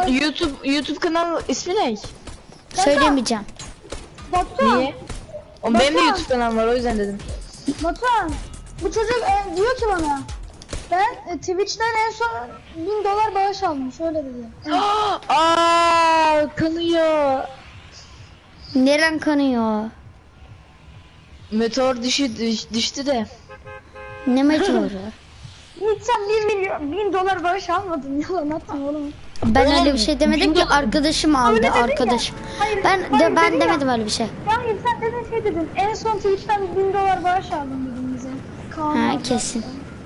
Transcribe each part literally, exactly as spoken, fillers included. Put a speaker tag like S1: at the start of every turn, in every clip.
S1: YouTube YouTube kanal ismi ne?
S2: Söylemeyeceğim.
S3: Batuhan.
S1: Niye? O benim de
S3: Batuhan.
S1: YouTube kanalım var o yüzden dedim.
S3: Batuhan. Bu çocuk e, diyor ki bana. Ben e, Twitch'ten en son bin dolar bağış aldım. Şöyle dedi.
S1: Aa kanıyor.
S2: Neren kanıyor?
S1: Meteor düşü düş- düştü de.
S2: Ne meteoru?
S3: Hiç sen bir milyon, bin dolar bağış almadın. Yalan atma oğlum.
S2: Ben
S1: Oğlum,
S2: öyle bir şey demedim ki,
S1: bin-
S2: arkadaşım aldı,
S3: Öyle dedin ya.
S2: arkadaşım.
S3: Hayır,
S2: Ben
S3: hayır
S2: de ben
S3: dedin ya.
S2: demedim öyle bir şey.
S3: Hayır sen dedin şey dedin. En son Twitch'ten bin dolar bağış aldım dedin bize. Kaan
S2: Ha
S3: abi.
S2: kesin.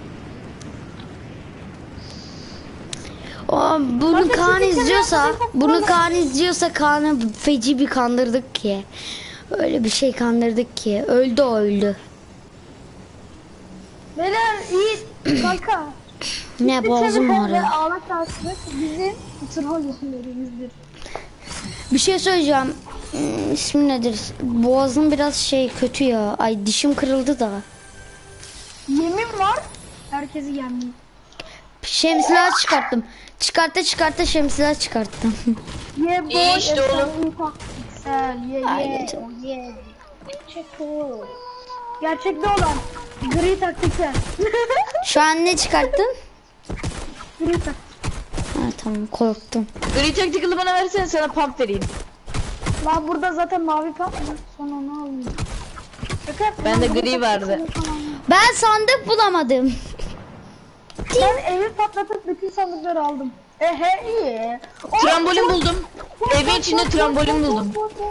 S2: O bunu
S3: Zaten
S2: Kaan
S3: sizin
S2: izliyorsa,
S3: kenarınızda çok
S2: bunu
S3: fazla-
S2: Kaan izliyorsa Kaan'ı feci bir kandırdık ki. Öyle bir şey kandırdık ki. Öldü o öldü.
S3: Beyler iyi kanka.
S2: Ne boğazım
S3: Ve
S2: ağrıyor.
S3: ağlak tarzı bizim troll yerlerimizdir.
S2: Bir şey söyleyeceğim. Hmm, İsmi nedir? Boğazım biraz şey kötü ya. Ay dişim kırıldı da.
S3: Yemin var. Herkesi yemin.
S2: Şemsiyeler çıkarttım. Çıkartta çıkartta şemsiyeler çıkarttım.
S3: Ye boy.
S1: İyi işte oğlum.
S3: Güzel ye
S2: Ay,
S3: ye.
S2: çok-
S3: O ye. Çok cool. Gerçekte olan gri taktikler.
S2: Şu an ne çıkarttın?
S3: Gri taktik.
S2: Ha tamam, korktum.
S1: Gri Tactical'ı bana versene sana pump vereyim.
S3: Lan burada zaten mavi pump var. Sonra onu alayım. Şaka yaptım.
S1: Bende
S3: Lan
S1: gri
S3: taktik
S1: vardı.
S3: falan.
S2: Ben sandık bulamadım.
S3: Ben evi patlatıp bütün sandıkları aldım. Ehe iyi. Oh,
S1: Trambolin
S3: çok-
S1: buldum. Evin içinde trambolin buldum.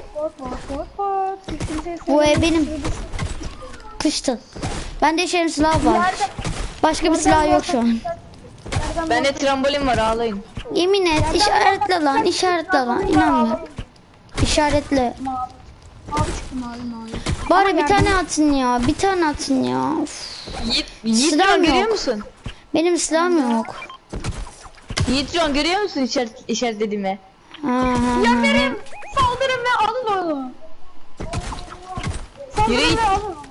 S2: Bu ev benim. Kıştı. Bende şemsiye var.
S3: Nerede?
S2: Başka bir silah yok şu an.
S3: Nereden
S1: Bende trambolin var ağlayın.
S2: Yemin et, işaretle lan, işaretle lan. İnanmıyorum. İşaretle.
S3: Mavi. Mavi çıktı mavi mavi.
S2: Bari bir tane atın ya, bir tane atın ya. Uf.
S1: Yiğit, Yiğit
S2: Silahım
S1: Ron görüyor
S2: yok.
S1: musun?
S2: Benim silahım yok.
S1: Yiğit Ron görüyor musun işaret, işaretlediğimi?
S2: Ha, ha, ha.
S3: Yemerim. Saldırın ve alın onu. Saldırın
S1: Yürü git.
S3: ve alın onu.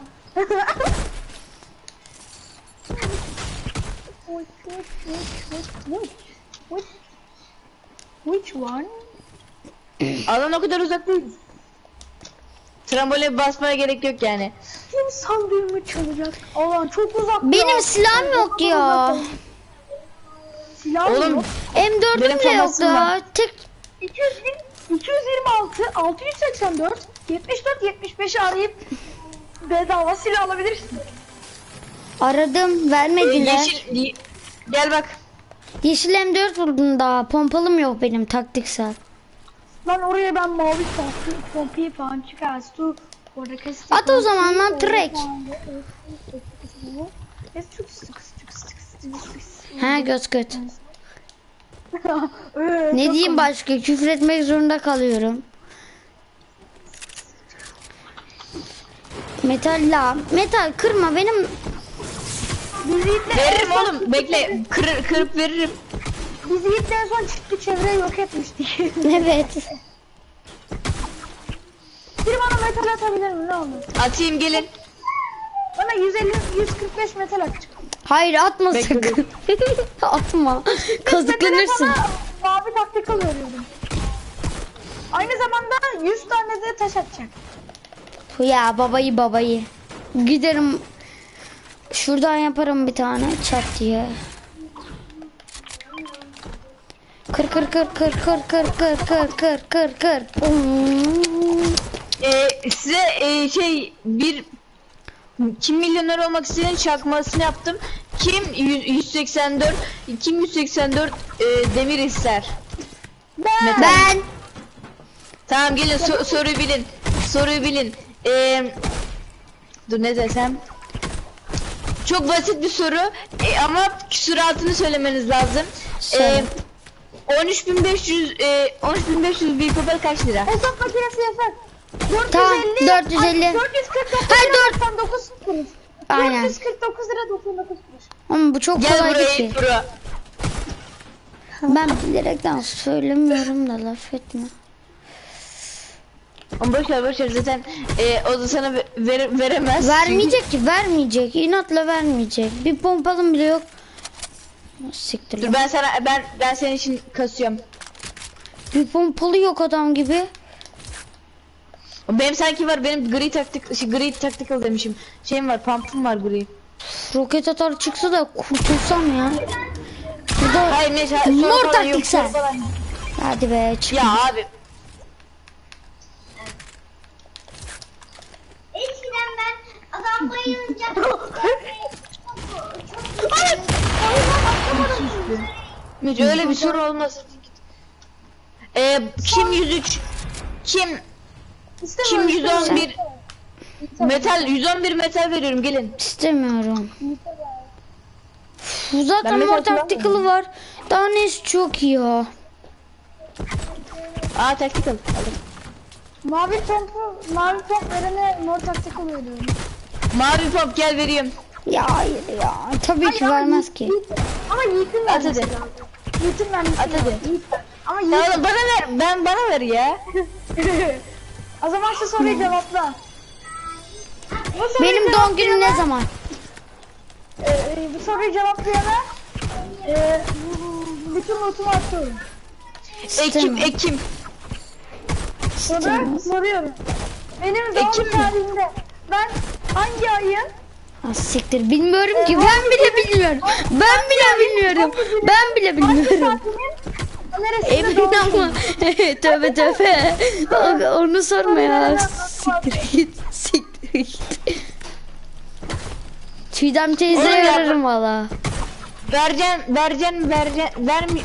S3: Which, which, which, which, which, which one?
S1: Alan o kadar uzak değil. Tramboline basmaya gerek yok yani.
S3: Kim sandığımı çalacak? Allah'ım çok uzak.
S2: Benim
S3: ya.
S2: silahım yok ya.
S3: Silah
S1: Oğlum
S3: yok.
S2: M dördüm
S1: Benim
S2: de yok
S1: famasım
S2: ya.
S1: var.
S2: Tek
S3: iki yüz yirmi, iki yüz yirmi altı, altı yüz seksen dört, yetmiş dört, yetmiş beşi arayıp bedava silah alabilirsin.
S2: aradım,
S1: e,
S2: vermediler.
S1: yeşil ye- gel bak.
S2: Yeşil M dört buldum daha. Pompalım yok benim taktiksel.
S3: Lan oraya ben mavi pompi, pompi falan çıkarttı. Orada kestik.
S2: At o zaman lan, trek. Ha göz göt. Ne diyeyim başka? Küfür etmek zorunda kalıyorum. Metal la. Metal kırma benim.
S1: Veririm oğlum bekle kır, kırıp veririm.
S3: Biz Yiğit'le en son çıktı çevreyi yok etmiştik.
S2: Evet.
S3: Biri bana metal atabilir mi ne olur?
S1: Atayım gelin.
S3: Bana yüz elli, yüz kırk beş metal atacak.
S2: Hayır atma
S1: Bekle,
S2: sakın. Atma. Kazıklanırsın.
S3: Metale sana mavi taktik veriyorum. Aynı zamanda yüz tane de taş atacak.
S2: Ya babayı babayı. Giderim. Şuradan yaparım bir tane çat diye. Kır kır kır kır kır kır kır kır kır kır kır.
S1: Ee, size e, şey bir kim milyoner olmak isteyen çakmasını yaptım. Kim yüz- 184 kim yüz seksen dört e, demir ister.
S3: Ben.
S2: Ben.
S1: Tamam gelin so- soruyu bilin. Soruyu bilin. Ee, dur ne desem. Çok basit bir soru e, ama süratini söylemeniz lazım.
S2: Söyle.
S1: Ee, on üç bin beş yüz e, on üç bin beş yüz bir papel kaç lira?
S3: Hesap makinesi yasak.
S2: Tamam, dört yüz elli.
S3: Ay, dört yüz kırk dokuz
S2: Hayır,
S3: lira
S2: dört-
S3: doksan dokuz kuruş.
S2: Aynen.
S3: dört yüz kırk dokuz lira doksan dokuz kuruş.
S2: Ama bu çok
S1: Gel
S2: kolay
S1: buraya
S2: bir şey.
S1: ilk bura.
S2: Ben bilerekten söylemiyorum da laf etme.
S1: Ama boş ver boş ver zaten e, o da sana ve- ver, veremez.
S2: Vermeyecek ki, vermeyecek. İnatla vermeyecek. Bir pompalım bile yok. Siktir
S1: Dur
S2: lan.
S1: ben sana ben ben senin için kasıyorum.
S2: Bir pompalı yok adam gibi.
S1: Benim sanki var, benim gri taktik, şey, gri tactical demişim. Şeyim var, pump'um var gri.
S2: Roket atar çıksa da kurtulsam ya. Burada
S1: Hayır neyse, hayır,
S2: mor
S1: soru falan yok,
S2: taktiksel.
S1: soru falan yok.
S2: Hadi be çık.
S1: Ya abi.
S4: Eskiden ben adam bayılınca
S1: Hiç öyle bir soru olmaz. Ee, kim yüz üç? Kim? Kim yüz on bir? Metal yüz on bir metal veriyorum, gelin.
S2: İstemiyorum. Bu zaten
S1: Ben
S2: mor
S1: mesela
S2: taktikali var. Daha neyse çok iyi ya.
S1: Aa tactical. Aldım.
S3: Mavi pompu, mavi pomp verene mor taktik oluyor diyorum.
S1: Mavi pop gel vereyim.
S2: Ya hayır ya. Tabii ki vermez ki.
S3: Yiğit- Ama Yiğit'in
S1: At
S3: vermesi
S1: hadi.
S3: lazım. Yiğit'in vermesi
S1: At
S3: lazım.
S1: hadi.
S3: Yiğit ver. Ama
S1: Ya
S3: Yiğit...
S1: oğlum bana ver, ben bana ver ya.
S3: O zaman şu soruyu cevapla. Bu soruyu
S2: Benim doğum günüm ne zaman?
S3: e, e, bu soruyu cevaplayana e, bu- bütün notumu atıyorum.
S1: Ekim,
S2: İstemiyorum.
S1: Ekim.
S3: Sonra soruyorum. Benim doğum
S1: Ekim mi?
S3: tarihimde ben hangi ayın
S2: Ha, siktir bilmiyorum ki. Ben bile bilmiyorum. Ben bile bilmiyorum. Ben bile bilmiyorum.
S3: neresinde
S2: Emin
S3: doğmuşum?
S2: ama. Tövbe tövbe. O- Onu sorma ya. Siktir git. Siktir git. Çiğdem teyze
S1: Oğlum ya-
S2: ararım valla.
S1: Vereceksin, vereceksin, vereceksin, vermi,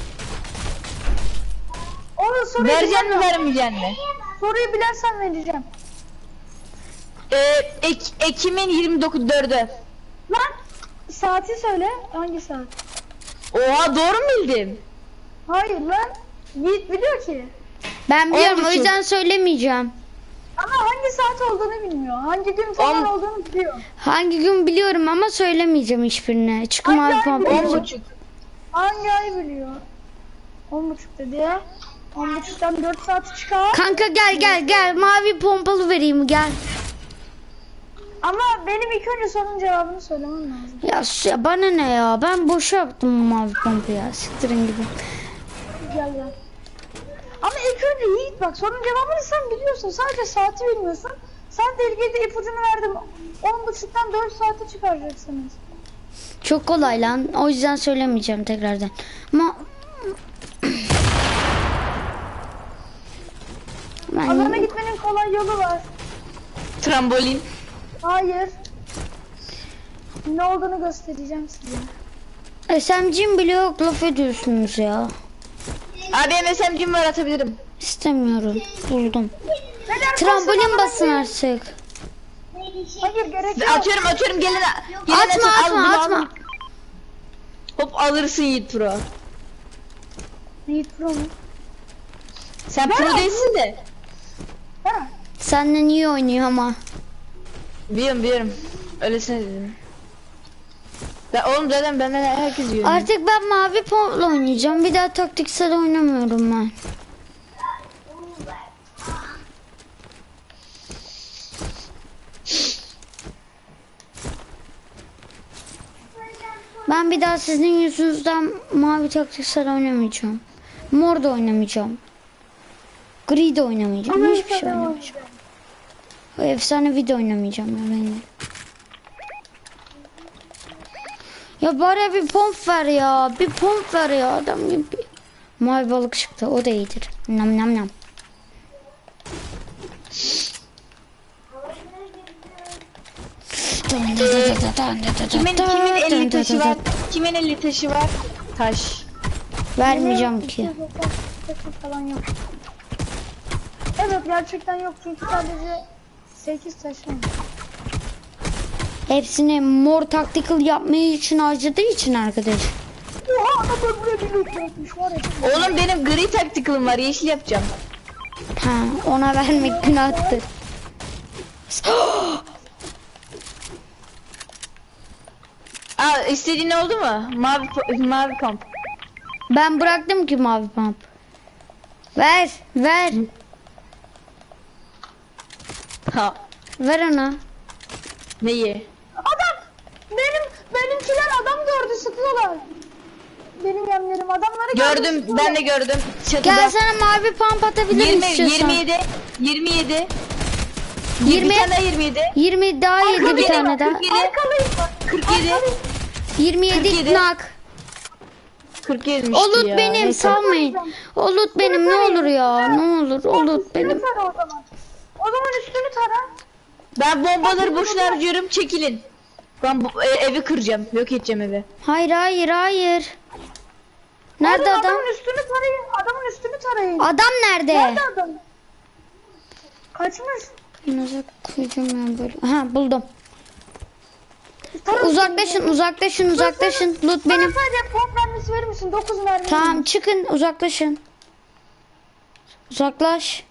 S3: Onu soruyu
S1: vereceksin mi,
S3: bilemem.
S1: vermeyeceksin mi?
S3: Soruyu bilersen vereceğim.
S1: Ee, Ek, Ekim'in yirmi dokuz dördü.
S3: Lan saati söyle. Hangi saat?
S1: Oha doğru mu bildim?
S3: Hayır lan. Yiğit biliyor ki.
S2: Ben biliyorum o
S1: buçuk.
S2: yüzden söylemeyeceğim.
S3: Ama hangi saat olduğunu bilmiyor. Hangi gün falan
S1: On-
S3: olduğunu biliyor.
S2: Hangi gün biliyorum ama söylemeyeceğim hiçbirine. Çıkım
S3: Hangi
S2: abi
S3: ay
S2: pompa.
S3: biliyor?
S1: On buçuk.
S3: Hangi ay biliyor? On buçuk dedi ya. On buçuktan dört saat çıkar.
S2: Kanka gel gel gel mavi pompalı vereyim gel.
S3: Ama benim ilk önce sorunun cevabını söylemem lazım.
S2: Ya, s- ya bana ne ya ben boşa yaptım bu mavi pompayı ya siktirin gibi.
S3: Gel gel. Ama ilk önce Yiğit bak sorunun cevabını sen biliyorsun. Sadece saati bilmiyorsun. Sen de ilgili ipucunu verdim. On buçuktan dört saati çıkaracaksınız.
S2: Çok kolay lan o yüzden söylemeyeceğim tekrardan. Ama
S3: Alana
S2: ben
S3: gitmenin kolay yolu var.
S1: Trambolin.
S3: Hayır. Ne olduğunu göstereceğim size.
S2: S M G'm bile yok laf ediyorsunuz ya.
S1: Abi benim S M G'm var, atabilirim.
S2: İstemiyorum buldum.
S3: Neden
S2: Trambolin
S3: kalsın
S2: basın
S3: alana-
S2: artık.
S3: Hayır gerek yok.
S1: Atıyorum atıyorum, gelin. gelin
S2: Atma
S1: atın, al,
S2: atma
S1: bunu
S2: atma.
S1: al. Hop alırsın Yiğit Pro.
S3: Yiğit Pro mu?
S1: Sen pro değilsin de.
S3: Ha.
S2: Senden iyi oynuyor ama.
S1: Biliyorum biliyorum. Öylesine dedim. Ben, oğlum zaten benden herkes yiyor.
S2: Artık ben mavi pompla oynayacağım. Bir daha taktiksel oynamıyorum ben. Ben bir daha sizin yüzünüzden mavi taktiksel oynamayacağım. Mor da oynamayacağım. Gri de oynamayacağım.
S3: Ama
S2: Hiçbir şey
S3: sana
S2: oynamayacağım. O efsane video oynamayacağım ya ben de. Ya bari bir pomp ver ya. Bir pomp ver ya adam gibi. Mavi balık çıktı. O da iyidir. Nam nam nam.
S1: Kimin kimin elli taşı var? Kimin elli taşı var? Taş.
S2: Vermeyeceğim ki.
S3: Takım falan yok. Evet gerçekten yok çünkü sadece sekiz taş var.
S2: Hepsini mor tactical yapmayı için harcadığı için arkadaş.
S3: Oha adam buraya bir loot bırakmış var ya.
S1: Oğlum benim gri taktikalım var, yeşil yapacağım.
S2: Ha, ona vermek günahtır.
S1: Aa istediğin oldu mu? Mavi po- mavi pump.
S2: Ben bıraktım ki mavi pump. Ver, ver.
S1: Ha.
S2: Ver ona.
S1: Neyi?
S3: Adam benim benimkiler adam gördü sıkıyorlar. benim yemlerim. Adamları
S1: Gördüm,
S3: görmüşsün
S1: ben de
S3: oğlum.
S1: gördüm.
S2: Gel
S1: Çatıda.
S2: sana mavi pump atabilirim
S1: yirmi,
S2: istiyorsan.
S1: yirmi yedi, yirmi yedi.
S2: Yirmi.
S1: Bir tane daha yirmi yedi.
S2: yirmi daha yedi bir
S1: kırk yedi,
S2: tane daha.
S1: kırk yedi,
S3: Arkalıyım bak.
S1: kırk yedi.
S2: yirmi yedi
S1: kırk yedi.
S2: nak.
S1: kırk yedi'mişti
S2: Olut
S1: ya.
S2: benim
S1: Neyse.
S2: salmayın. Olut benim ne olur ya. Ne olur olut benim.
S3: Üstünü tara o zaman. O zaman üstünü tara.
S1: Ben bombaları boşuna harcıyorum, çekilin. Ben bu, e, evi kıracağım, yok edeceğim evi.
S2: Hayır hayır hayır. Nerede
S3: Oğlum,
S2: adam?
S3: Adamın üstünü tarayın. Adamın üstünü tarayın.
S2: Adam nerede?
S3: Nerede adam? Kaçmış.
S2: Nasıl koyacağım ben böyle? Ha buldum.
S3: Tara
S2: Uzaklaşın uzaklaşın uzaklaşın. Loot
S3: Bana
S2: benim.
S3: sadece pop mermisi verir misin? dokuz mermi.
S2: Tamam çıkın uzaklaşın. Uzaklaş.